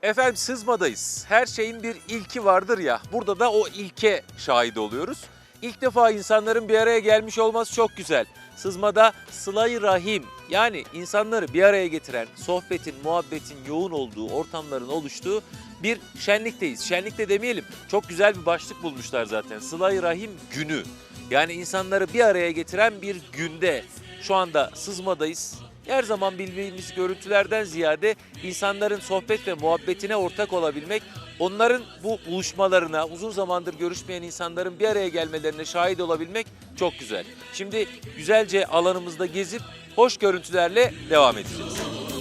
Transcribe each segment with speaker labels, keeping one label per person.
Speaker 1: Efendim Sızma'dayız. Her şeyin bir ilki vardır ya. Burada da o ilke şahit oluyoruz. İlk defa insanların bir araya gelmiş olması çok güzel. Sızma'da sıla-i rahim, yani insanları bir araya getiren, sohbetin, muhabbetin yoğun olduğu, ortamların oluştuğu bir şenlikteyiz. Şenlik de demeyelim, çok güzel bir başlık bulmuşlar zaten. Sıla-i rahim günü. Yani insanları bir araya getiren bir günde şu anda Sızma'dayız. Her zaman bildiğimiz görüntülerden ziyade insanların sohbet ve muhabbetine ortak olabilmek, onların bu buluşmalarına, uzun zamandır görüşmeyen insanların bir araya gelmelerine şahit olabilmek çok güzel. Şimdi güzelce alanımızda gezip hoş görüntülerle devam edeceğiz.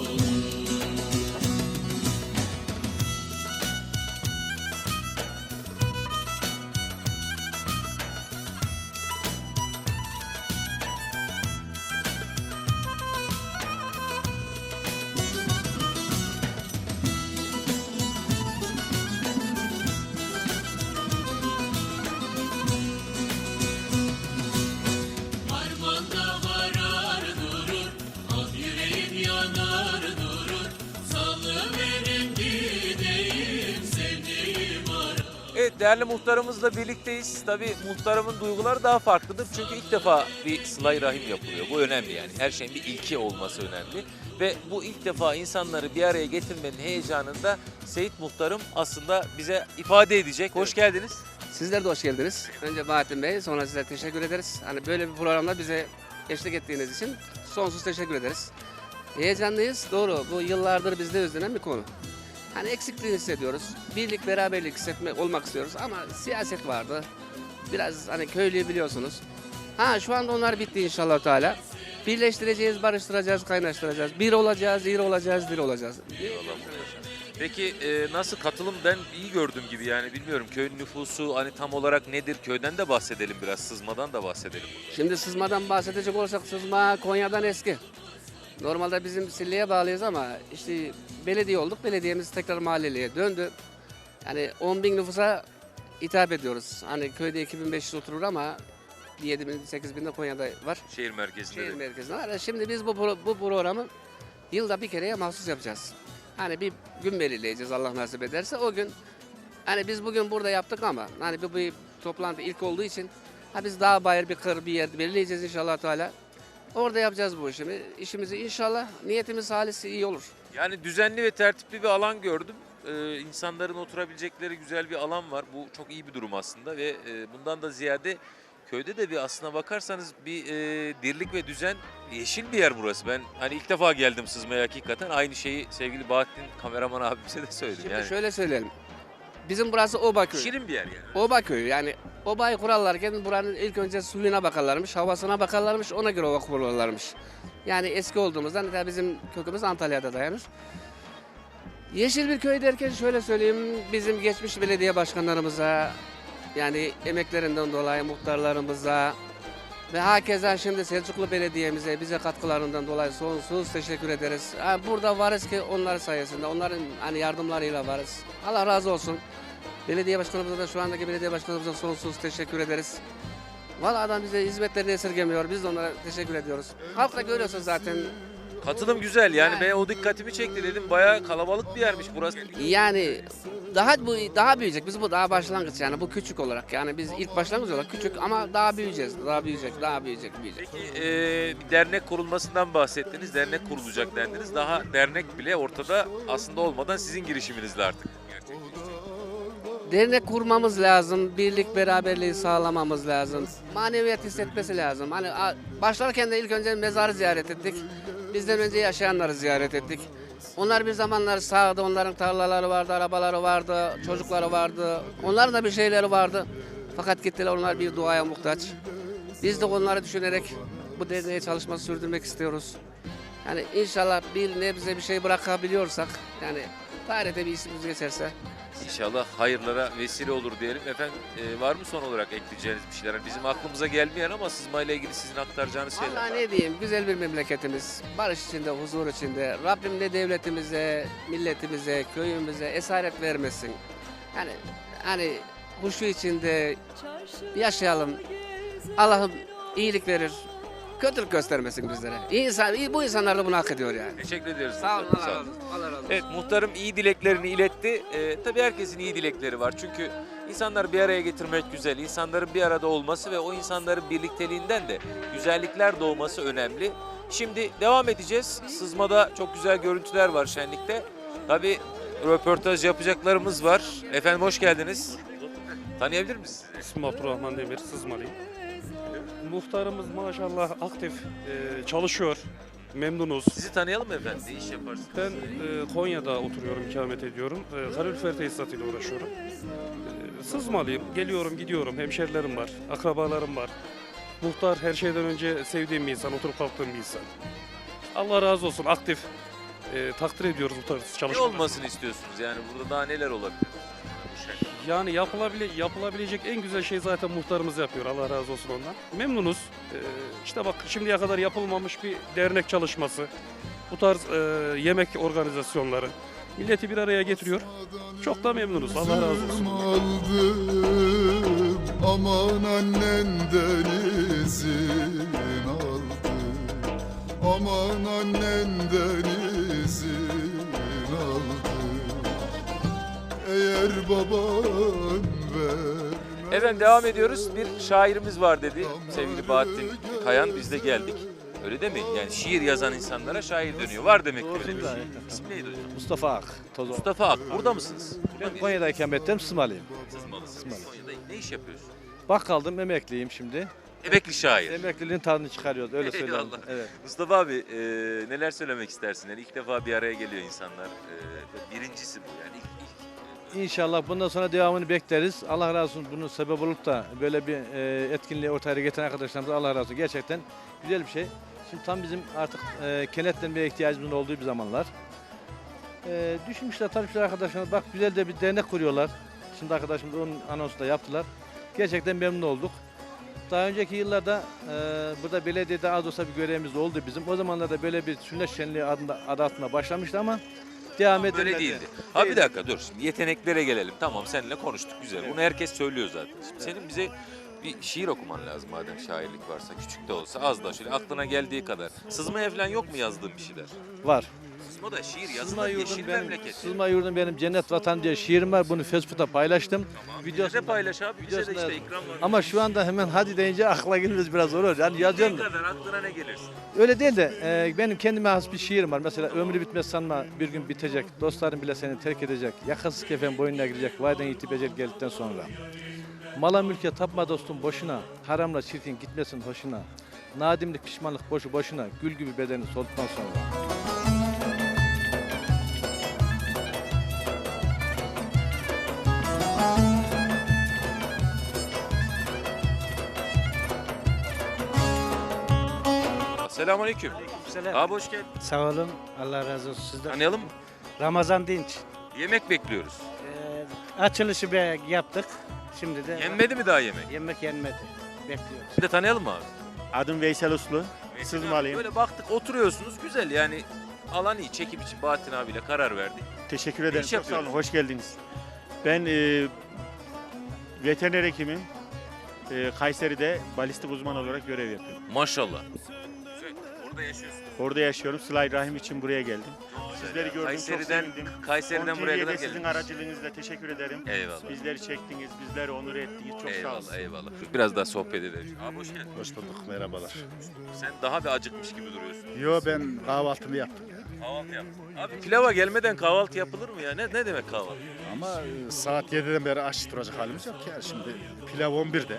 Speaker 2: Harmanda varar durur, ah yüreğim yanar durur. Salıverin gideyim sevdiğim ara.
Speaker 1: Evet, değerli muhtarımızla birlikteyiz. Tabii muhtarımın duyguları daha farklıdır. Çünkü ilk defa bir sıla-i rahim yapılıyor. Bu önemli yani. Her şeyin bir ilki olması önemli. Ve bu ilk defa insanları bir araya getirmenin heyecanında Seyit Muhtarım aslında bize ifade edecek. Hoş geldiniz.
Speaker 3: Sizler de hoş geldiniz. Önce Bahattin Bey, sonra size teşekkür ederiz. Hani böyle bir programda bize eşlik ettiğiniz için sonsuz teşekkür ederiz. Heyecanlıyız, doğru. Bu yıllardır bizde özlenen bir konu. Hani eksikliğini hissediyoruz. Birlik, beraberlik hissetmek olmak istiyoruz ama siyaset vardı. Biraz hani köylüyü biliyorsunuz. Şu anda onlar bitti inşallah Teala. Birleştireceğiz, barıştıracağız, kaynaştıracağız. Bir olacağız, iri olacağız, diri olacağız.
Speaker 1: Peki nasıl katılım, ben iyi gördüğüm gibi, yani bilmiyorum köyün nüfusu hani tam olarak nedir? Köyden de bahsedelim biraz, Sızma'dan da bahsedelim.
Speaker 3: Şimdi Sızma'dan bahsedecek olursak Sızma Konya'dan eski. Normalde bizim Sille'ye bağlıyız ama işte belediye olduk. Belediyemiz tekrar mahalleliye döndü. Yani 10 bin nüfusa hitap ediyoruz. Hani köyde 2500 oturur ama 7 bin, 8 bin de Konya'da var.
Speaker 1: Şehir merkezinde
Speaker 3: Şehir
Speaker 1: de.
Speaker 3: merkezinde var. Şimdi biz bu programı yılda bir kereye mahsus yapacağız. Hani bir gün belirleyeceğiz Allah nasip ederse. O gün hani biz bugün burada yaptık ama hani bu bir toplantı ilk olduğu için biz daha bayır bir kır bir yer belirleyeceğiz inşallah Teala. Orada yapacağız bu işimizi inşallah. Niyetimiz halisi iyi olur.
Speaker 1: Yani düzenli ve tertipli bir alan gördüm. İnsanların oturabilecekleri güzel bir alan var. Bu çok iyi bir durum aslında ve bundan da ziyade köyde de bir, aslına bakarsanız bir dirlik ve düzen, yeşil bir yer burası. Ben hani ilk defa geldim Sızma'ya hakikaten. Aynı şeyi sevgili Bahattin kameraman abimize de söyledim.
Speaker 3: Şimdi
Speaker 1: Yani
Speaker 3: şöyle söyleyelim. Bizim burası Oba köyü.
Speaker 1: şirin bir yer yani.
Speaker 3: Oba köyü yani obayı kurarlarken buranın ilk önce suyuna bakarlarmış, havasına bakarlarmış, ona göre ova kurarlarmış. Yani eski olduğumuzdan tabii bizim kökümüz Antalya'da dayanır. Yeşil bir köy derken şöyle söyleyeyim, bizim geçmiş belediye başkanlarımıza, yani emeklerinden dolayı muhtarlarımıza ve hakeza şimdi Selçuklu Belediye'mize bize katkılarından dolayı sonsuz teşekkür ederiz. Burada varız ki onlar sayesinde, onların hani yardımlarıyla varız. Allah razı olsun. Belediye başkanımıza da, şu andaki belediye başkanımıza sonsuz teşekkür ederiz. Vallahi adam bize hizmetlerini esirgemiyor. Biz de onlara teşekkür ediyoruz. Halk da görüyorsunuz zaten.
Speaker 1: Katılım güzel yani, ben o dikkatimi çekti, dedim bayağı kalabalık bir yermiş burası.
Speaker 3: Yani daha büyüyecek. Biz bu daha başlangıç, yani bu küçük olarak. Yani biz ilk başlangıç olarak küçük ama daha büyüyeceğiz. Daha büyüyecek, daha büyüyecek.
Speaker 1: Peki bir dernek kurulmasından bahsettiniz, dernek kurulacak dendiniz. Daha dernek bile ortada aslında olmadan sizin girişiminizle artık gerçekleşecek.
Speaker 3: Dernek kurmamız lazım, birlik beraberliği sağlamamız lazım. Maneviyat hissetmesi lazım. Hani başlarken de ilk önce mezarı ziyaret ettik. Bizden önce yaşayanları ziyaret ettik. Onlar bir zamanlar sağdı, onların tarlaları vardı, arabaları vardı, çocukları vardı. Onların da bir şeyleri vardı. Fakat gittiler, onlar bir duaya muhtaç. Biz de onları düşünerek bu derneğe çalışması sürdürmek istiyoruz. Yani inşallah bir nebze bir şey bırakabiliyorsak, yani tarihte bir ismimiz geçerse.
Speaker 1: İnşallah hayırlara vesile olur diyelim. Efendim var mı son olarak ekleyeceğiniz bir şeyler? Hani bizim aklımıza gelmeyen ama Sızma ile ilgili sizin aktaracağınız şeyler
Speaker 3: Vallahi
Speaker 1: var.
Speaker 3: ne diyeyim, güzel bir memleketimiz. Barış içinde, huzur içinde. Rabbim de devletimize, milletimize, köyümüze esaret vermesin. Yani hani huşu içinde yaşayalım. Allah'ım iyilik verir. kötülük göstermesin bizlere. Bu insanlar da bunu hak ediyor yani.
Speaker 1: Teşekkür ederiz.
Speaker 3: Sağ olun,
Speaker 1: muhtarım,
Speaker 3: Allah razı olsun. Allah razı olsun.
Speaker 1: Evet, muhtarım iyi dileklerini iletti. Tabii herkesin iyi dilekleri var. Çünkü insanları bir araya getirmek güzel. İnsanların bir arada olması ve o insanların birlikteliğinden de güzellikler doğması önemli. Şimdi devam edeceğiz. Sızma'da çok güzel görüntüler var şenlikte. Tabii röportaj yapacaklarımız var. Efendim hoş geldiniz. Tanıyabilir misiniz?
Speaker 4: İsmim Abdurrahman Demir, Sızmalıyım. Muhtarımız maşallah aktif çalışıyor, memnunuz.
Speaker 1: Sizi tanıyalım mı efendim? Ne iş yaparsınız?
Speaker 4: Ben Konya'da oturuyorum, ikamet ediyorum. Kalorifer tesisatıyla uğraşıyorum. Sızmalıyım, geliyorum gidiyorum, hemşerilerim var, akrabalarım var. Muhtar her şeyden önce sevdiğim bir insan, oturup kalktığım bir insan. Allah razı olsun, aktif. Takdir ediyoruz bu tarz
Speaker 1: Ne
Speaker 4: çalışmaları.
Speaker 1: olmasını istiyorsunuz? Yani burada daha neler olabilir?
Speaker 4: Yani yapılabilecek en güzel şey zaten muhtarımız yapıyor. Allah razı olsun ondan. Memnunuz. İşte bak şimdiye kadar yapılmamış bir dernek çalışması. Bu tarz yemek organizasyonları. Milleti bir araya getiriyor. Çok da memnunuz. Allah razı olsun.
Speaker 5: Aldım, aman annenden izin aldım. Aman annenden izin aldım. Eğer baban vermez.
Speaker 1: Efendim devam ediyoruz. Bir şairimiz var dedi sevgili Bahattin Kayan. Biz de geldik. Öyle değil mi? Yani şiir yazan insanlara şair dönüyor. Var demek ki öyle bir şey. İsmi neydi hocam?
Speaker 6: Mustafa Ak, Tozo.
Speaker 1: Mustafa Ak. Burada mısınız?
Speaker 6: Ben Konya'da ikamettem, Sızmalıyım.
Speaker 1: Sızmalısınız. Konya'da ne iş yapıyorsun?
Speaker 6: Bakkaldım, emekliyim şimdi.
Speaker 1: Emekli şair.
Speaker 6: Emekliliğin tadını çıkarıyoruz, öyle söyleyeyim.
Speaker 1: Eyvallah.
Speaker 6: Evet.
Speaker 1: Mustafa abi neler söylemek istersin? Yani ilk defa bir araya geliyor insanlar. Birincisi bu yani.
Speaker 6: İnşallah bundan sonra devamını bekleriz. Allah razı olsun bunun sebep olup da böyle bir etkinliği ortaya getiren arkadaşlarımıza Allah razı olsun. Gerçekten güzel bir şey. Şimdi tam bizim artık kenetlenmeye ihtiyacımızın olduğu bir zamanlar. Düşünmüşler, tanışmışlar arkadaşlar. Bak güzel de bir dernek kuruyorlar. Şimdi arkadaşımız onun anonsunu da yaptılar. Gerçekten memnun olduk. Daha önceki yıllarda burada belediyede az olsa bir görevimiz oldu bizim. O zamanlarda böyle bir sünnet şenliği adı altında başlamıştı ama devam edilmedi.
Speaker 1: Böyle değildi. Ha bir dakika dur. Şimdi yeteneklere gelelim. Tamam seninle konuştuk güzel. Bunu herkes söylüyor zaten. Şimdi senin bize bir şiir okuman lazım madem şairlik varsa. Küçük de olsa az da şöyle aklına geldiği kadar. Sızmaya falan yok mu yazdığın bir şeyler?
Speaker 6: Var.
Speaker 1: Sızma'da şiir
Speaker 6: Sızma
Speaker 1: yazılır. Yeşil
Speaker 6: yurdum benim,
Speaker 1: memleket.
Speaker 6: Sızma yurdum benim cennet vatan diye şiirim var. Bunu Facebook'ta paylaştım.
Speaker 1: Bize de paylaş abi. Bize de
Speaker 6: videosunu
Speaker 1: işte
Speaker 6: yazdım.
Speaker 1: ikram var.
Speaker 6: Ama şu anda hemen hadi deyince akla gelmez biraz zor olur. Yani yazıyorum.
Speaker 1: Ne kadar aklına ne gelirsin?
Speaker 6: Öyle değil de benim kendime has bir şiirim var. Mesela ömrü bitmez sanma bir gün bitecek. Dostların bile seni terk edecek. Yakasız kefen boynuna girecek. Vayden yitip geldikten sonra. Mala mülke tapma dostum boşuna. Haramla çirkin gitmesin hoşuna. Nadimlik pişmanlık boşu boşuna. Gül gibi bedeni solduktan sonra.
Speaker 1: Selamünaleyküm.
Speaker 7: Selam.
Speaker 1: Abi hoş geldin.
Speaker 7: Sağ olun. Allah razı olsun sizden.
Speaker 1: Tanıyalım mı?
Speaker 7: Ramazan Dinç.
Speaker 1: Yemek bekliyoruz.
Speaker 7: Açılışı yaptık. Şimdi de
Speaker 1: Yenmedi mi daha yemek?
Speaker 7: yemek yenmedi. Bekliyoruz.
Speaker 1: Bir de tanıyalım mı abi?
Speaker 8: Adım Veysel Uslu. Sızmalıyım.
Speaker 1: Böyle baktık oturuyorsunuz güzel yani alan iyi çekim için Bahattin abiyle karar verdik.
Speaker 8: Teşekkür ederim.
Speaker 1: iş
Speaker 8: Çok sağ olun.
Speaker 1: yapıyoruz?
Speaker 8: Hoş geldiniz. Ben veteriner hekimim. Kayseri'de balistik uzman olarak görev yapıyorum.
Speaker 1: Maşallah. Güzel. Orada yaşıyorsun.
Speaker 8: Orada yaşıyorum. Sıla-i Rahim için buraya geldim. Sizleri gördüm.
Speaker 1: Kayseri'den,
Speaker 8: çok sevindim.
Speaker 1: Kayseri'den buraya kadar
Speaker 8: sizin
Speaker 1: geldim.
Speaker 8: aracılığınızla teşekkür ederim.
Speaker 1: Eyvallah.
Speaker 8: Bizleri çektiniz, bizleri onur ettiniz. Çok sağ olun.
Speaker 1: Eyvallah eyvallah. Biraz daha sohbet edelim. Abi hoş geldin.
Speaker 9: Hoş bulduk, merhabalar.
Speaker 1: Sen daha bir acıkmış gibi duruyorsun.
Speaker 9: Yo ben kahvaltımı yaptım.
Speaker 1: Kahvaltı yaptın. Abi pilava gelmeden kahvaltı yapılır mı ya? Ne demek kahvaltı?
Speaker 9: Ama saat 7'den beri aç duracak halimiz yok ya. Şimdi pilav 11'de.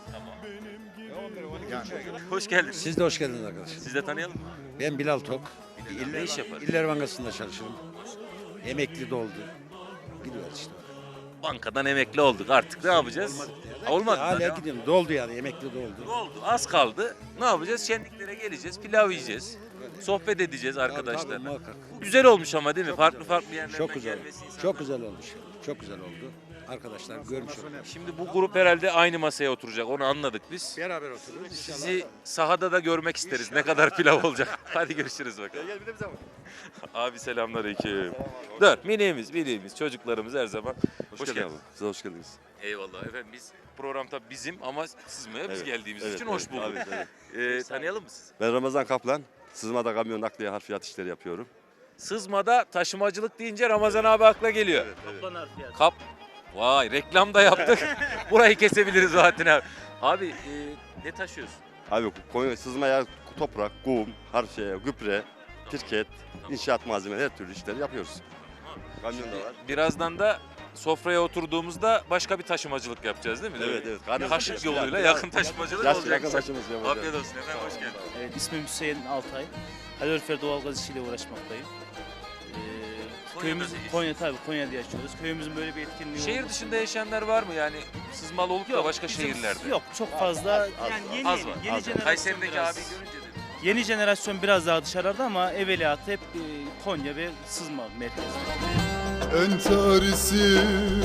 Speaker 9: Yani
Speaker 1: Hoş geldiniz.
Speaker 10: Siz de hoş geldiniz arkadaşlar.
Speaker 1: Siz de tanıyalım mı?
Speaker 10: Ben Bilal Tok.
Speaker 1: Ne iş yapar?
Speaker 10: İller Bankası'nda çalışırım. Emekli de oldu. Gidiyoruz işte.
Speaker 1: Bankadan emekli olduk artık ne yapacağız? Olmadı.
Speaker 10: Hala
Speaker 1: daha.
Speaker 10: gidiyorum. Doldu yani emekli de
Speaker 1: Ne
Speaker 10: oldu.
Speaker 1: oldu? Az kaldı. Ne yapacağız? Şenliklere geleceğiz, pilav yiyeceğiz. Sohbet edeceğiz
Speaker 10: Tabii,
Speaker 1: arkadaşlarla.
Speaker 10: muhakkak.
Speaker 1: Güzel olmuş ama değil mi? Farklı yerlerden
Speaker 10: Çok güzel.
Speaker 1: gelmesi insanlar.
Speaker 10: Çok güzel olmuş. Çok güzel oldu. Arkadaşlar görmüş olduk.
Speaker 1: Şimdi bu grup herhalde aynı masaya oturacak. Onu anladık biz.
Speaker 10: Beraber oturuyoruz.
Speaker 1: Sizi sahada da görmek isteriz. Ne kadar pilav olacak. Hadi görüşürüz bakalım. Abi selamünaleyküm. Dur miniğimiz çocuklarımız her zaman. Hoş geldiniz.
Speaker 11: Siz hoş geldiniz.
Speaker 1: Eyvallah efendim, biz program tabii bizim ama sızmaya biz
Speaker 11: Evet,
Speaker 1: geldiğimiz
Speaker 11: evet,
Speaker 1: için
Speaker 11: evet,
Speaker 1: hoş bulduk.
Speaker 11: evet, evet.
Speaker 1: Tanıyalım mı sizi?
Speaker 11: Ben Ramazan Kaplan. Sızmada kamyon nakliye harfiyat işleri yapıyorum.
Speaker 1: Sızmada taşımacılık deyince Ramazan abi akla geliyor. Kap. Vay, reklam da yaptık. Burayı kesebiliriz zaten abi. Abi ne taşıyorsun?
Speaker 11: Abi sızmaya toprak, kum, harfiye, gübre, pirket, inşaat malzemeleri, her türlü işleri yapıyoruz. Kamyon da var.
Speaker 1: Birazdan da sofraya oturduğumuzda başka bir taşımacılık yapacağız değil mi?
Speaker 11: Evet, evet.
Speaker 1: Kaşık yoluyla yakın taşımacılık olacak.
Speaker 11: Yakın taşımız yapacağız.
Speaker 1: Afiyet olsun efendim, hoş geldin.
Speaker 12: Evet, ismim Hüseyin Altay. Kalorifer doğalgaz işiyle uğraşmaktayım. Köyümüz Konya, tabii Konya'da yaşıyoruz. Köyümüzün böyle bir etkinliği
Speaker 1: Şehir
Speaker 12: oldu.
Speaker 1: dışında yaşayanlar var mı yani, sızmalı olup da başka
Speaker 12: bizim-
Speaker 1: şehirlerde?
Speaker 12: Yok, çok fazla. Yani yeni,
Speaker 1: Az var.
Speaker 12: yeni jenerasyon
Speaker 1: Kayseri'deki
Speaker 12: biraz,
Speaker 1: abi görünce dedim.
Speaker 12: yeni jenerasyon biraz daha dışarıda ama evveliyatı hep Konya ve sızma merkezli.
Speaker 5: Entarisi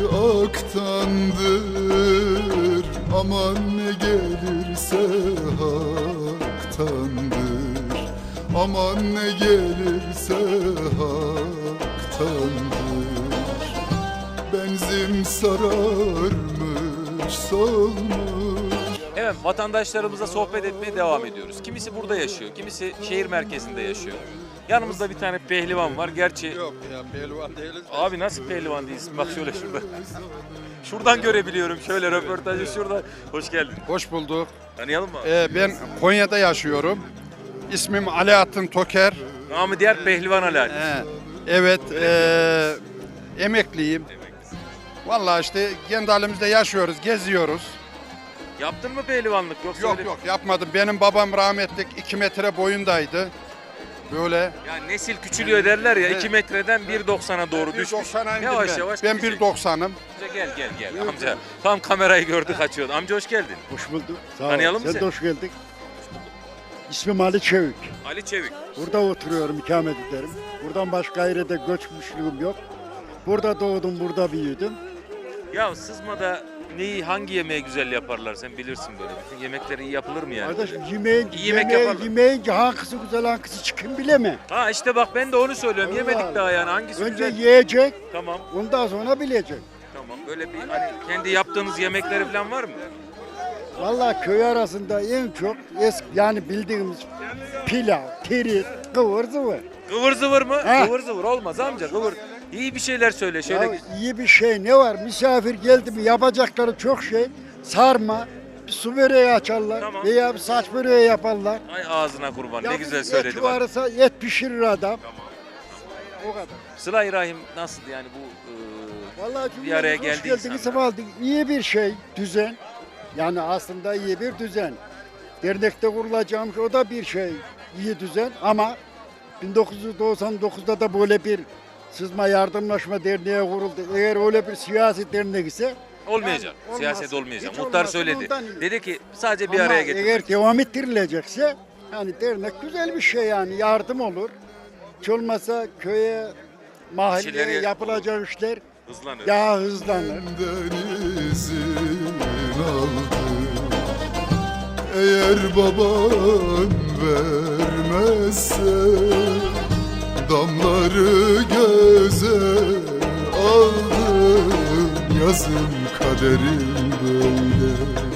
Speaker 5: aktandır, aman ne gelirse haktandır. Aman ne gelirse haktandır. Benzin sararmış solmuş.
Speaker 1: Evet, vatandaşlarımızla sohbet etmeye devam ediyoruz. Kimisi burada yaşıyor, kimisi şehir merkezinde yaşıyor. Yanımızda bir tane pehlivan var. Gerçi
Speaker 10: Yok ya pehlivan değiliz.
Speaker 1: abi nasıl pehlivan değilsin? Bak şöyle şurada. Şuradan görebiliyorum. Şöyle röportajı şurada. Hoş geldin.
Speaker 13: Hoş bulduk.
Speaker 1: Tanıyalım mı?
Speaker 13: Ben Konya'da yaşıyorum. İsmim Alaaddin Toker.
Speaker 1: Namı diğer pehlivan Ali.
Speaker 13: Evet, emekliyim. Vallahi işte kendi halimizde yaşıyoruz, geziyoruz.
Speaker 1: Yaptın mı pehlivanlık? Yoksa
Speaker 13: Yok
Speaker 1: öyle-
Speaker 13: yok yapmadım. Benim babam rahmetlik 2 metre boyundaydı. Böyle.
Speaker 1: Yani nesil küçülüyor derler ya,
Speaker 13: Evet.
Speaker 1: 2 metreden 1.90'a doğru düşmüş.
Speaker 13: 1.90'a indim
Speaker 1: Yavaş
Speaker 13: ben.
Speaker 1: yavaş
Speaker 13: Ben
Speaker 1: düşecek.
Speaker 13: 1.90'ım.
Speaker 1: Gel amca. Tam kamerayı gördük, açıyordu. Amca hoş geldin.
Speaker 14: Hoş bulduk. Sağ ol.
Speaker 1: Tanıyalım mı
Speaker 14: Sen
Speaker 1: seni?
Speaker 14: de hoş geldin. İsmim Ali Çevik.
Speaker 1: Ali Çevik.
Speaker 14: Burada oturuyorum, ikamet ederim. Buradan başka yere de göçmüşlüğüm yok. Burada doğdum, burada büyüdüm.
Speaker 1: Ya sızmada hangi yemeği güzel yaparlar, sen bilirsin böyle. Bütün yemekleri iyi yapılır mı yani?
Speaker 14: Kardeşim yemeğin,
Speaker 1: İyi yemek yaparlar.
Speaker 14: yemeğin hangisi güzel hangisi çıkın bileme.
Speaker 1: Ha işte bak, ben de onu söylüyorum.
Speaker 14: Allah
Speaker 1: Yemedik
Speaker 14: Allah.
Speaker 1: daha yani, hangisi
Speaker 14: Önce
Speaker 1: güzel?
Speaker 14: yiyecek,
Speaker 1: Tamam.
Speaker 14: ondan sonra bilecek.
Speaker 1: Tamam. Böyle bir hani kendi yaptığınız yemekleri falan var mı?
Speaker 14: Vallahi köy arasında en çok yani bildiğimiz pilav, tirit, kıvır zıvır.
Speaker 1: Kıvır zıvır mı?
Speaker 14: Ha.
Speaker 1: Kıvır zıvır olmaz amca, kıvır. İyi bir şeyler söyle şöyle.
Speaker 14: Ya iyi bir şey ne var? Misafir geldi mi yapacakları çok şey. Sarma, bir su böreği açarlar
Speaker 1: Tamam.
Speaker 14: veya bir saç böreği yaparlar.
Speaker 1: Ay ağzına kurban,
Speaker 14: Ya
Speaker 1: ne
Speaker 14: bir
Speaker 1: güzel
Speaker 14: et
Speaker 1: söyledi bak.
Speaker 14: varsa et pişirir adam. O kadar.
Speaker 1: Sıla-i Rahim nasıl yani bu
Speaker 14: Vallahi
Speaker 1: bir araya
Speaker 14: cümlemiz hoş
Speaker 1: geldi
Speaker 14: geldiniz,
Speaker 1: insanlar.
Speaker 14: aldık. İyi bir şey, düzen. Yani aslında iyi bir düzen. Dernekte kurulacağım o da bir şey, iyi düzen ama 1999'da da böyle bir Sızma Yardımlaşma Derneği kuruldu. Eğer öyle bir siyasi dernek ise
Speaker 1: olmayacak.
Speaker 14: yani
Speaker 1: Siyaset
Speaker 14: olmasın.
Speaker 1: olmayacak.
Speaker 14: Hiç
Speaker 1: Muhtar
Speaker 14: olmasın,
Speaker 1: söyledi.
Speaker 14: ondan iyi.
Speaker 1: Dedi ki sadece bir
Speaker 14: Ama
Speaker 1: araya getirmek.
Speaker 14: eğer devam ettirilecekse yani dernek güzel bir şey yani yardım olur. Hiç olmasa köye, mahalleye
Speaker 1: İşleri
Speaker 14: yapılacak işler
Speaker 1: hızlanır.
Speaker 14: daha hızlanır.
Speaker 5: Benden izin aldı. Eğer baban vermezse damları göze aldım. Yazın kaderim böyle.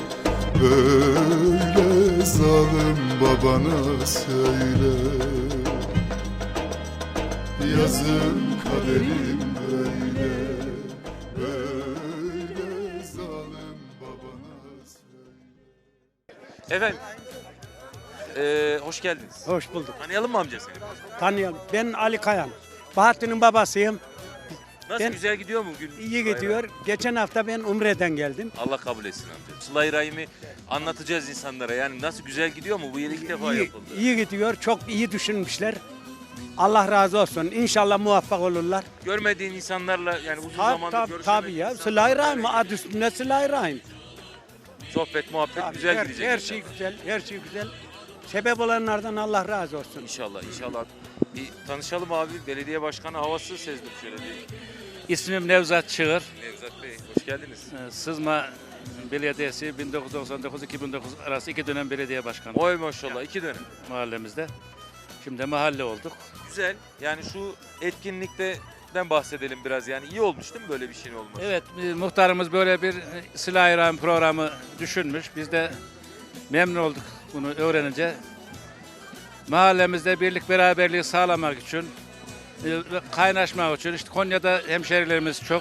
Speaker 5: Böyle zalim babana söyle. Yazın kaderim böyle. Böyle zalim babana söyle.
Speaker 1: Efendim hoş geldiniz.
Speaker 7: Hoş bulduk.
Speaker 1: Tanıyalım mı amca seni?
Speaker 7: Tanıyorum. Ben Ali Kayan. Bahattin'in babasıyım.
Speaker 1: Nasıl,
Speaker 7: Ben-
Speaker 1: güzel gidiyor mu gün?
Speaker 7: İyi gidiyor. Geçen hafta ben Umre'den geldim.
Speaker 1: Allah kabul etsin amca. Sıla-i Rahim'i anlatacağız insanlara. Yani nasıl, güzel gidiyor mu? Bu yıl ilk defa
Speaker 7: İyi,
Speaker 1: yapıldı.
Speaker 7: iyi gidiyor. Çok iyi düşünmüşler. Allah razı olsun. İnşallah muvaffak olurlar.
Speaker 1: Görmediğin insanlarla yani uzun
Speaker 7: Tabii
Speaker 1: zamandır
Speaker 7: tabii
Speaker 1: görüşemediğin
Speaker 7: tabii ya.
Speaker 1: insanlarla
Speaker 7: Sıla-i Rahim. Adı üstünde Sıla-i Rahim.
Speaker 1: sohbet, muhabbet
Speaker 7: Tabii,
Speaker 1: güzel
Speaker 7: her,
Speaker 1: gidecek.
Speaker 7: her
Speaker 1: inşallah.
Speaker 7: şey güzel. Her şey güzel. Sebep olanlardan Allah razı olsun.
Speaker 1: İnşallah, inşallah. Bir tanışalım abi. Belediye başkanı havası sezdim şöyle bir.
Speaker 15: İsmim Nevzat Çığır.
Speaker 1: Nevzat Bey, hoş geldiniz.
Speaker 15: Sızma Belediyesi 1999-2009 arası 2 dönem belediye başkanı
Speaker 1: Oy maşallah, 2 dönem.
Speaker 15: mahallemizde. Şimdi mahalle olduk.
Speaker 1: Güzel. Yani şu etkinlikte konseptinden bahsedelim biraz. Yani iyi olmuş değil mi böyle bir şeyin olması?
Speaker 15: Evet, muhtarımız böyle bir Sıla-i Rahim programı düşünmüş. Biz de memnun olduk bunu öğrenince. Mahallemizde birlik beraberliği sağlamak için, kaynaşmak için, işte Konya'da hemşerilerimiz çok.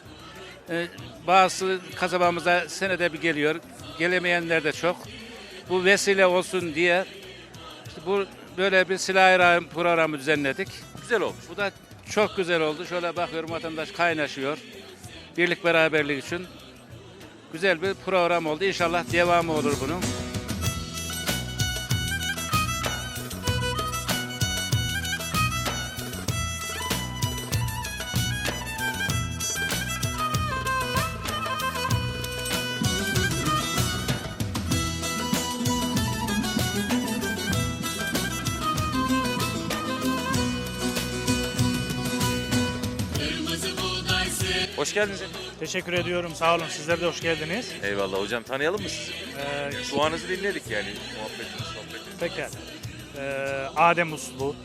Speaker 15: Bazı kasabamıza senede bir geliyor, gelemeyenler de çok. Bu vesile olsun diye işte bu böyle bir Sıla-i Rahim programı düzenledik.
Speaker 1: Güzel olmuş.
Speaker 15: Bu da çok güzel oldu. Şöyle bakıyorum, vatandaş kaynaşıyor. Birlik beraberlik için güzel bir program oldu. İnşallah devamı olur bunun.
Speaker 1: Hoş geldiniz.
Speaker 16: Teşekkür ediyorum. Sağ olun. Sizler de hoş geldiniz.
Speaker 1: Eyvallah hocam. Tanıyalım mı sizi? Duanızı dinledik yani. Sohbetiniz.
Speaker 16: Pekala. Adem Uslu.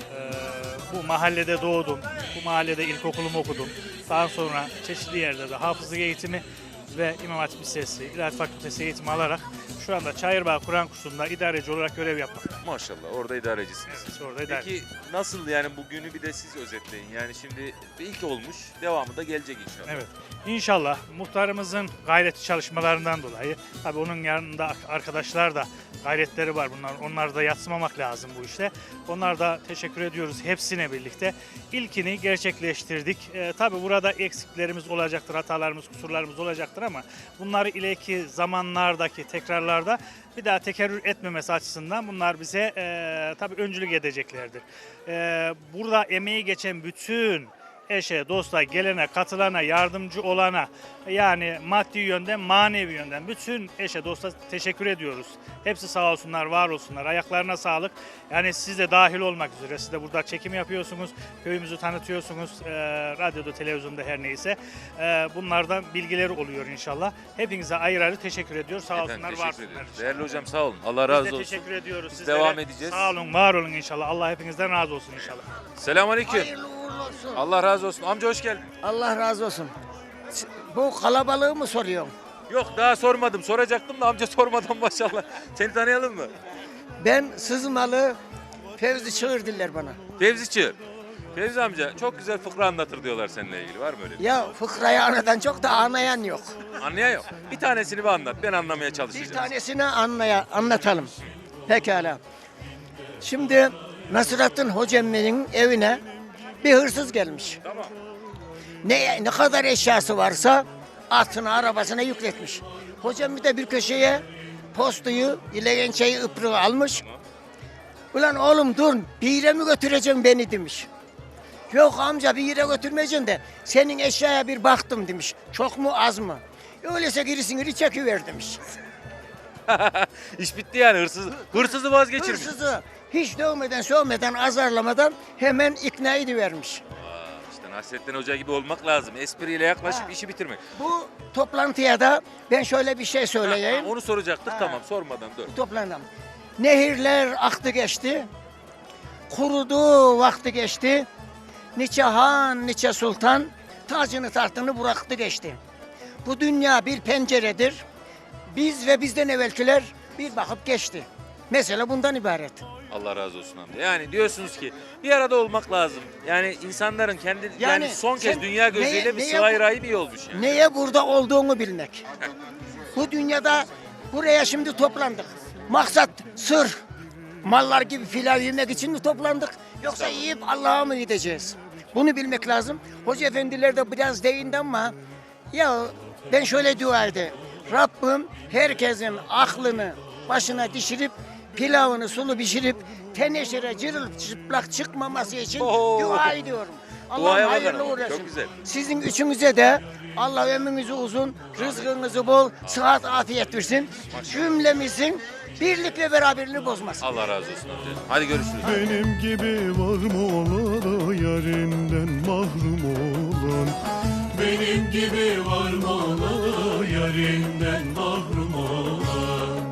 Speaker 16: Bu mahallede doğdum. Bu mahallede ilkokulumu okudum. Daha sonra çeşitli yerlerde hafızlık eğitimi ve İmam Hatip Lisesi, İlahiyat Fakültesi eğitimi alarak şu anda Çayırbağ Kur'an kursunda idareci olarak görev yapmaktayım.
Speaker 1: Maşallah orada idarecisiniz.
Speaker 16: Evet, orada idareci.
Speaker 1: Peki nasıl yani bugünü bir de siz özetleyin. Yani şimdi ilk olmuş, devamı da gelecek inşallah.
Speaker 16: Evet. İnşallah muhtarımızın gayretli çalışmalarından dolayı, tabii onun yanında arkadaşlar da gayretleri var bunlar. Onları da yadsımamak lazım bu işte. Onlar da teşekkür ediyoruz hepsine birlikte. İlkini gerçekleştirdik. Tabii burada eksiklerimiz olacaktır, hatalarımız, kusurlarımız olacaktır ama bunları ileriki zamanlardaki tekrarlarda bir daha tekerrür etmemesi açısından bunlar bize tabii öncülük edeceklerdir. Burada emeği geçen bütün eşe, dosta, gelene, katılana, yardımcı olana, yani maddi yönden, manevi yönden bütün eşe, dosta teşekkür ediyoruz. Hepsi sağ olsunlar, var olsunlar. Ayaklarına sağlık. Yani siz de dahil olmak üzere. Siz de burada çekim yapıyorsunuz, köyümüzü tanıtıyorsunuz, radyoda, televizyonda her neyse. Bunlardan bilgileri oluyor inşallah. Hepinize ayrı ayrı teşekkür ediyoruz. Sağ olsunlar, var olsunlar.
Speaker 1: Değerli hocam sağ olun. Allah razı olsun.
Speaker 16: Biz de teşekkür ediyoruz.
Speaker 1: Biz
Speaker 16: Sizlere
Speaker 1: devam edeceğiz.
Speaker 16: Sağ olun, var olun inşallah. Allah hepinizden razı olsun inşallah.
Speaker 1: Selamünaleyküm.
Speaker 17: Olsun.
Speaker 1: Allah razı olsun. Amca hoş geldin.
Speaker 17: Allah razı olsun. Bu kalabalığı mı soruyorsun?
Speaker 1: Yok daha sormadım. Soracaktım da amca sormadan maşallah. Seni tanıyalım mı?
Speaker 17: Ben Sızmalı Fevzi Çığır diller bana.
Speaker 1: Fevzi Çığır. Fevzi amca çok güzel fıkra anlatır diyorlar seninle ilgili. Var mı öyle bir şey?
Speaker 17: Ya fıkrayı anadan çok da anlayan yok.
Speaker 1: Anlayan yok. Bir tanesini bir anlat. Ben anlamaya çalışacağım.
Speaker 17: Bir tanesini anlatalım. Pekala. Şimdi Nasrettin Hoca'nın evine bir hırsız gelmiş.
Speaker 1: Tamam.
Speaker 17: Ne kadar eşyası varsa atına, arabasına yükletmiş. Hocam bir de bir köşeye postuyu, ilegençeyi, ıprığı almış. Ulan oğlum dur, bir yere mi götüreceksin beni demiş. Yok amca bir yere götürmeyeceksin de senin eşyaya bir baktım demiş. Çok mu az mı? Öyleyse gerisini çekiver demiş.
Speaker 1: İş bitti yani hırsızı vazgeçirmiş.
Speaker 17: Hırsızı hiç dövmeden, sövmeden, azarlamadan hemen ikna edivermiş.
Speaker 1: İşte Nasrettin Hoca gibi olmak lazım. Espriyle yaklaşıp işi bitirmek.
Speaker 17: Bu toplantıya da ben şöyle bir şey söyleyeyim.
Speaker 1: Onu soracaktık tamam sormadan dur.
Speaker 17: Toplanalım. Nehirler aktı geçti. Kurudu vakti geçti. Niçe han, niçe sultan tacını tahtını bıraktı geçti. Bu dünya bir penceredir. Biz ve bizden evvelkiler bir bakıp geçti. Mesela bundan ibaret.
Speaker 1: Allah razı olsun amca. Yani diyorsunuz ki bir arada olmak lazım. Yani insanların kendi yani son kez dünya gözüyle bir sıla-i rahim iyi olmuş yani.
Speaker 17: Neye burada olduğunu bilmek. Bu dünyada buraya şimdi toplandık. Maksat sır, mallar gibi filan yemek için mi toplandık? Yoksa yiyip Allah'a mı gideceğiz? Bunu bilmek lazım. Hoca efendiler de biraz değindi ama ya ben şöyle dua edeyim. Rabbim herkesin aklını başına dişirip pilavını sulu pişirip teneşire cırılçıplak çıkmaması için dua ediyorum. Allah hayırlı uğraşsın.
Speaker 1: Çok güzel.
Speaker 17: Sizin üçünüze de Allah ömrünüzü uzun, rızkınızı bol, sıhhat, afiyet versin. Cümlemizin birlik ve beraberliğini bozmasın.
Speaker 1: Allah razı olsun amca. Hadi görüşürüz.
Speaker 5: Benim gibi var mı ola yarinden mahrum olan?
Speaker 2: Benim gibi var mı ola yarinden mahrum olan?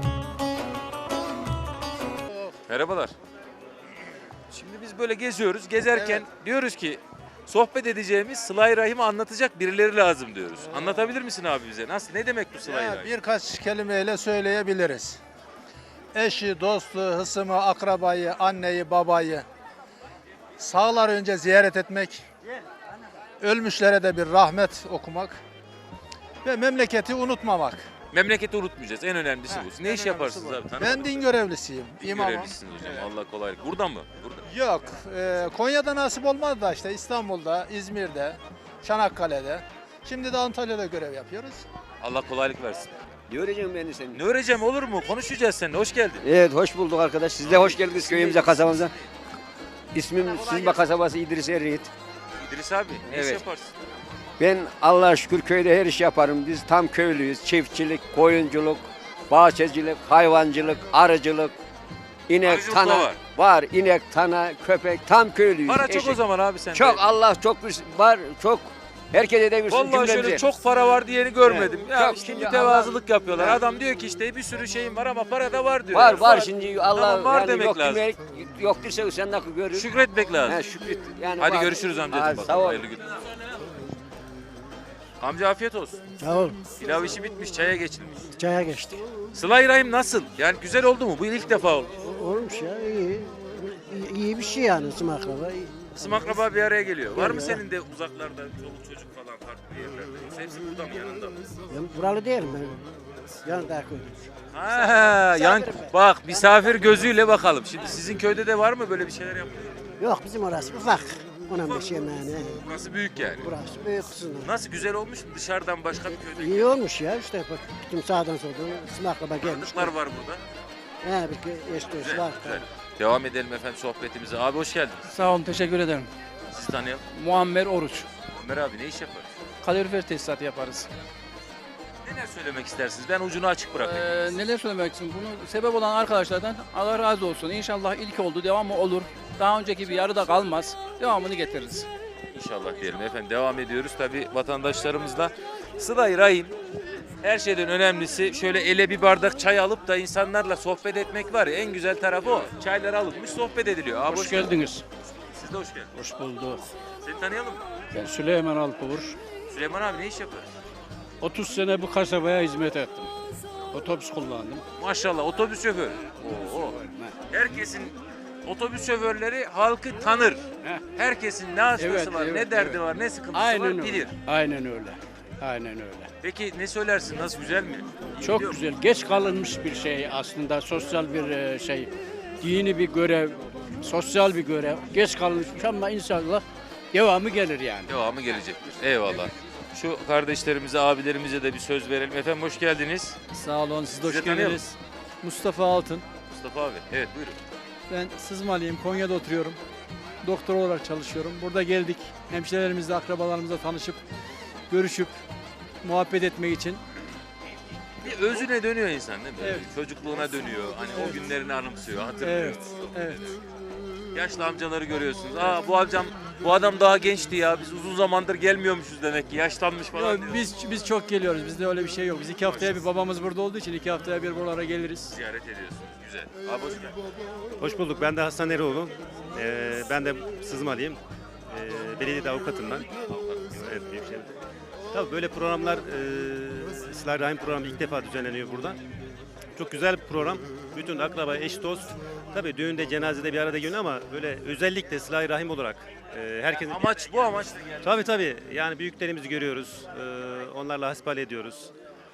Speaker 1: Merhabalar. Şimdi biz böyle geziyoruz. Gezerken diyoruz ki sohbet edeceğimiz Sıla-i Rahim'i anlatacak birileri lazım diyoruz. Anlatabilir misin abi bize? Nasıl? Ne demek bu Sıla-i Rahim?
Speaker 18: Birkaç kelimeyle söyleyebiliriz. Eşi, dostu, hısımı, akrabayı, anneyi, babayı sağlar önce ziyaret etmek, ölmüşlere de bir rahmet okumak ve memleketi unutmamak.
Speaker 1: Memleketi unutmayacağız. En önemlisi bu. Ne iş yaparsınız abi?
Speaker 18: Ben din görevlisiyim, imamım.
Speaker 1: Görevlisiniz hocam. Allah kolaylık. Burada mı? Burada.
Speaker 18: Yok, Konya'da nasip olmadı da işte İstanbul'da, İzmir'de, Çanakkale'de. Şimdi de Antalya'da görev yapıyoruz.
Speaker 1: Allah kolaylık versin.
Speaker 19: Ne öreceğim ben de seni?
Speaker 1: Ne öreceğim olur mu? Konuşacağız seninle. Hoş geldin.
Speaker 19: Evet, hoş bulduk arkadaş. Siz de hoş geldiniz köyümüze, kasabamıza. İsmim Sızma kasabası İdris Eryiğit.
Speaker 1: İdris abi ne iş
Speaker 19: Evet.
Speaker 1: yaparsın?
Speaker 19: Ben Allah'a şükür köyde her iş yaparım. Biz tam köylüyüz. Çiftçilik, koyunculuk, bahçecilik, hayvancılık, arıcılık, inek,
Speaker 1: Arıcılık da
Speaker 19: tana.
Speaker 1: var.
Speaker 19: Var, inek, tana, köpek, tam köylüyüz.
Speaker 1: Para çok o zaman abi sende.
Speaker 19: Çok, Allah çok var, çok. Herkese de bir
Speaker 1: Vallahi şöyle çok para var diyeni görmedim.
Speaker 19: Evet,
Speaker 1: Ya
Speaker 19: çok.
Speaker 1: şimdi
Speaker 19: Ya
Speaker 1: mütevazılık yapıyorlar.
Speaker 19: Evet.
Speaker 1: Adam diyor ki işte bir sürü şeyim var ama para da var diyor.
Speaker 19: Var,
Speaker 1: yani.
Speaker 19: var şimdi Allah
Speaker 1: Tamam, var
Speaker 19: yani
Speaker 1: demek
Speaker 19: yok
Speaker 1: lazım.
Speaker 19: demek, yok derse sen nasıl görür?
Speaker 1: Şükretmek lazım.
Speaker 19: He, şükret. Yani
Speaker 1: Hadi
Speaker 19: var.
Speaker 1: görüşürüz amcacığım.
Speaker 19: Hadi,
Speaker 1: bakalım.
Speaker 19: sağ ol.
Speaker 1: Hayırlı günler. Amca afiyet olsun.
Speaker 20: Sağ ol.
Speaker 1: Pilav işi bitmiş, çaya geçilmiş.
Speaker 20: Çaya geçti.
Speaker 1: Sıla-i Rahim nasıl? Yani güzel oldu mu? Bu ilk defa oldu.
Speaker 20: Olmuş ya iyi. İyi bir şey yani ısım akraba.
Speaker 1: Kısım akraba bir araya geliyor. Var mı
Speaker 20: Geliyor.
Speaker 1: senin de uzaklarda çoluk çocuk falan farklı yerlerde? Yoksa hepsi burada mı yanında mı?
Speaker 20: Ben buralı değilim ben. Yanında köyde.
Speaker 1: Ha, yan, bak misafir gözüyle bakalım. Şimdi sizin köyde de var mı böyle bir şeyler yapılıyor?
Speaker 20: Yok bizim orası ufak. Ona bir şey yani.
Speaker 1: Burası büyük yani.
Speaker 20: Burası büyük kısımda.
Speaker 1: Nasıl güzel olmuş mu dışarıdan başka bir köyde?
Speaker 20: İyi olmuş ya işte bak bütün sağdan soldan ısım akraba gelmiş.
Speaker 1: Tanıdıklar var burada.
Speaker 20: He bir eş dost var.
Speaker 1: Güzel. Devam edelim efendim sohbetimize. Abi hoş geldin.
Speaker 21: Sağ olun, teşekkür ederim.
Speaker 1: Sizi tanıyalım.
Speaker 21: Muammer Oruç.
Speaker 1: Ömer abi ne iş yapar?
Speaker 21: Kalorifer tesisatı yaparız.
Speaker 1: Neler söylemek istersiniz? Ben ucunu açık bırakayım.
Speaker 21: Neler söylemek için? Bunu sebep olan arkadaşlardan Allah razı olsun. İnşallah ilk oldu, devamı olur. Daha önceki bir yarıda kalmaz. Devamını getiririz.
Speaker 1: İnşallah diyelim efendim. Devam ediyoruz. Tabii vatandaşlarımızla Sıla-i Rahim her şeyden önemlisi şöyle ele bir bardak çay alıp da insanlarla sohbet etmek var ya, en güzel tarafı o. Çaylar alınmış sohbet ediliyor. Abi,
Speaker 21: Hoş geldiniz.
Speaker 1: Siz de hoş geldiniz.
Speaker 21: Hoş bulduk.
Speaker 1: Seni tanıyalım mı?
Speaker 21: Ben Süleyman Alpavur.
Speaker 1: Süleyman abi ne iş yapar?
Speaker 21: 30 sene bu kasabaya hizmet ettim. Otobüs kullandım.
Speaker 1: Maşallah otobüs şoförü. Oo. Herkesin otobüs şoförleri halkı tanır. Herkesin ne hastası var, ne derdi var, ne sıkıntısı
Speaker 21: Aynen
Speaker 1: var
Speaker 21: öyle.
Speaker 1: bilir.
Speaker 21: Aynen öyle. Aynen öyle.
Speaker 1: Peki ne söylersin? Nasıl, güzel mi? İyi
Speaker 21: Çok
Speaker 1: gidiyor mu?
Speaker 21: güzel. Geç kalınmış bir şey aslında. Sosyal bir şey. Dini bir görev. Sosyal bir görev. Geç kalınmış ama inşallah devamı gelir yani.
Speaker 1: Devamı gelecektir. Eyvallah. Şu kardeşlerimize, abilerimize de bir söz verelim. Efendim hoş geldiniz.
Speaker 22: Sağ olun, siz de hoş
Speaker 1: Sizi tanıyalım.
Speaker 22: geldiniz. Mustafa Altın.
Speaker 1: Mustafa abi. Evet buyurun.
Speaker 22: Ben Sızmalıyım, Konya'da oturuyorum. Doktor olarak çalışıyorum. Burada geldik, hemşirelerimizle, akrabalarımızla tanışıp, görüşüp, muhabbet etmek için.
Speaker 1: Bir özüne dönüyor insan değil mi?
Speaker 22: Evet.
Speaker 1: Çocukluğuna dönüyor. Hani o
Speaker 22: Evet.
Speaker 1: günlerini anımsıyor, hatırlıyor.
Speaker 22: Evet, evet.
Speaker 1: Yaşlı amcaları görüyorsunuz. Aa bu adam daha gençti ya. Biz uzun zamandır gelmiyormuşuz demek ki. Yaşlanmış falan
Speaker 22: Yok,
Speaker 1: diyor.
Speaker 22: biz çok geliyoruz, bizde öyle bir şey yok. Biz 2 haftaya bir, babamız burada olduğu için 2 haftaya bir buralara geliriz.
Speaker 1: Ziyaret ediyorsunuz. Güzel. Abi hoş geldin.
Speaker 8: Hoş bulduk. Ben de Hasan Eroğlu. Ben de Sızmalıyım. Belediyede avukatım ben. Evet, Büyükşehir'de. Tabii böyle programlar, Sıla-i Rahim programı ilk defa düzenleniyor burada. Çok güzel bir program. Bütün akraba, eş, dost. Tabii düğünde, cenazede bir arada geliyor ama böyle özellikle Sıla-i Rahim olarak herkesin...
Speaker 1: Amaç bu amaçla geldi.
Speaker 8: Tabii. Yani büyüklerimizi görüyoruz. Onlarla hasbihal ediyoruz.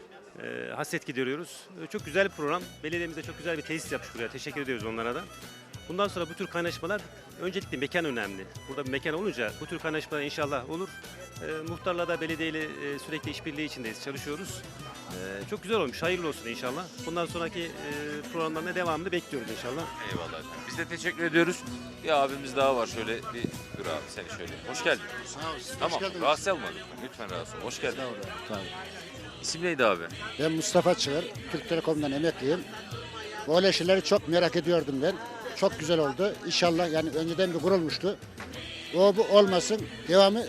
Speaker 8: Hasret gideriyoruz. Çok güzel bir program. Belediyemiz de çok güzel bir tesis yapmış buraya. Teşekkür ediyoruz onlara da. Bundan sonra bu tür kaynaşmalar öncelikle mekan önemli. Burada bir mekan olunca bu tür kaynaşmalar inşallah olur. Muhtarla da belediyeyle sürekli işbirliği içindeyiz, çalışıyoruz. Çok güzel olmuş, hayırlı olsun inşallah. Bundan sonraki programların devamını bekliyoruz inşallah.
Speaker 1: Eyvallah efendim. Biz de teşekkür ediyoruz. Bir abimiz daha var şöyle bir dur abi seni şöyle. Hoş geldin.
Speaker 9: Sağ olsun.
Speaker 1: Tamam. Rahatsız olmadın. Lütfen rahatsız ol. Hoş geldin. İsim neydi abi?
Speaker 9: Ben Mustafa Çığır, Türk Telekom'dan emekliyim. Böyle şeyleri çok merak ediyordum ben. Çok güzel oldu. İnşallah yani önceden bir kurulmuştu. O bu olmasın, devamı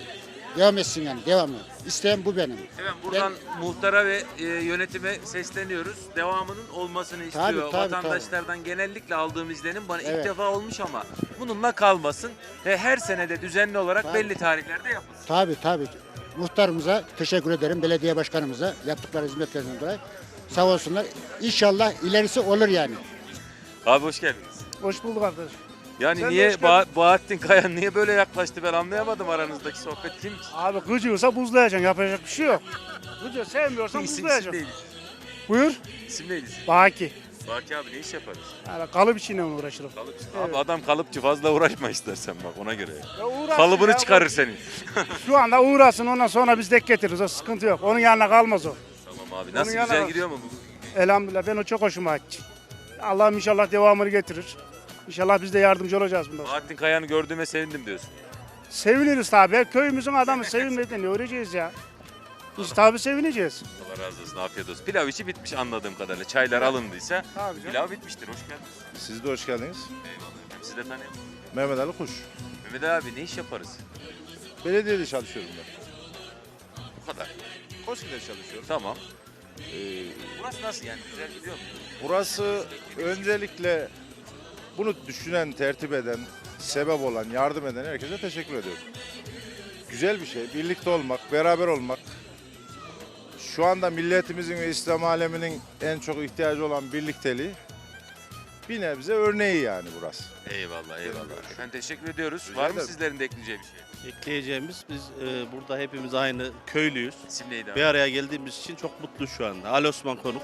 Speaker 9: Devam etsin yani, devamı. İsteyen bu benim.
Speaker 1: Efendim buradan muhtara ve yönetime sesleniyoruz. Devamının olmasını istiyor.
Speaker 9: tabii,
Speaker 1: Vatandaşlardan genellikle aldığım izlenim bana ilk
Speaker 9: Evet.
Speaker 1: defa olmuş ama bununla kalmasın. Ve her senede düzenli olarak
Speaker 9: Tabii.
Speaker 1: belli tarihlerde yapılsın.
Speaker 9: Tabii. Muhtarımıza teşekkür ederim. Belediye başkanımıza yaptıkları hizmetlerinden dolayı. Sağ olsunlar. İnşallah ilerisi olur yani.
Speaker 1: Abi hoş geldiniz.
Speaker 3: Hoş bulduk arkadaş.
Speaker 1: Yani
Speaker 3: Sen de
Speaker 1: niye
Speaker 3: hoş geldin.
Speaker 1: Bahattin Kayan niye böyle yaklaştı ben anlayamadım aranızdaki sohbet kim?
Speaker 3: Abi gıcıyorsa buzlayacaksın, yapacak bir şey yok. Gıcıyor sevmiyorsan buzlayacaksın.
Speaker 1: neydi?
Speaker 3: Buyur.
Speaker 1: İsim neydi?
Speaker 3: Baki.
Speaker 1: Baki abi ne iş yaparız?
Speaker 3: Yani kalıp içine uğraşırım.
Speaker 1: Abi adam kalıpçı fazla uğraşma istersen bak ona göre.
Speaker 3: uğraşsın
Speaker 1: Kalıbını
Speaker 3: ya,
Speaker 1: çıkarır senin.
Speaker 3: Şu anda uğrasın, ondan sonra biz dek getiririz, o sıkıntı yok. Onun yanına kalmaz o.
Speaker 1: Tamam abi nasıl
Speaker 3: Onun
Speaker 1: güzel
Speaker 3: yanına-
Speaker 1: gidiyor mu bu?
Speaker 3: Elhamdülillah, ben o çok hoşuma gitti. Allah'ım inşallah devamını getirir. İnşallah biz de yardımcı olacağız bundan sonra.
Speaker 1: Bahattin Kayan'ı gördüğüme sevindim diyorsun.
Speaker 3: Seviniriz tabii. Köyümüzün adamı sevinmeden ne öğreneceğiz ya. Biz tabii sevineceğiz.
Speaker 1: Allah razı olsun afiyet olsun. Pilav işi bitmiş anladığım kadarıyla. Çaylar alındıysa
Speaker 3: Tabii canım.
Speaker 1: pilav bitmiştir. Hoş geldiniz.
Speaker 10: Siz de hoş geldiniz.
Speaker 1: Eyvallah. Sizi de tanıyalım.
Speaker 10: Mehmet Ali Kuş.
Speaker 1: Mehmet abi ne iş yaparız?
Speaker 10: Belediyede çalışıyorum ben.
Speaker 1: Bu kadar.
Speaker 10: Koski'de çalışıyorum.
Speaker 1: Tamam. Burası nasıl yani? Güzel gidiyor mu?
Speaker 10: Burası öncelikle bunu düşünen, tertip eden, sebep olan, yardım eden herkese teşekkür ediyorum. Güzel bir şey. Birlikte olmak, beraber olmak. Şu anda milletimizin ve İslam aleminin en çok ihtiyacı olan birlikteliği bir nebze örneği yani burası.
Speaker 1: Eyvallah eyvallah. Efendim teşekkür ediyoruz.
Speaker 10: Rica
Speaker 1: Var mı
Speaker 10: ederim.
Speaker 1: sizlerin de ekleyeceği bir şey?
Speaker 4: Ekleyeceğimiz biz burada hepimiz aynı köylüyüz.
Speaker 1: İsim neydi abi?
Speaker 4: Bir araya geldiğimiz için çok mutlu şu anda. Ali Osman Konuk.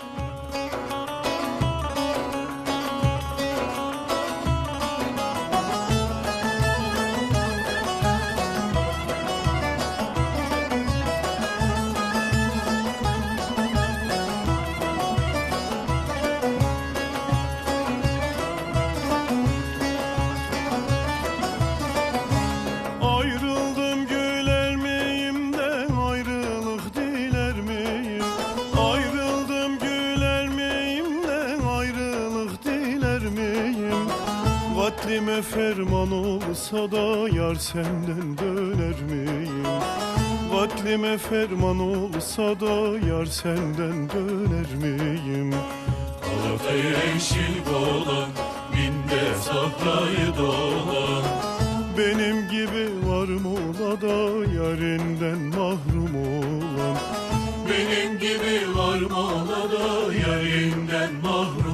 Speaker 5: Ayrıldım güler miyim de ayrılık diler miyim? Ayrıldım güler miyim de ayrılık diler miyim? Katlime ferman olsa da yar senden döner miyim? Katlime ferman olsa da yar senden döner miyim?
Speaker 2: Galata'yı yeşil dolan, minde sahrayı dolan.
Speaker 5: Benim gibi var mı ola da yarinden mahrum olan?
Speaker 2: Benim gibi var mı ola da yarinden mahrum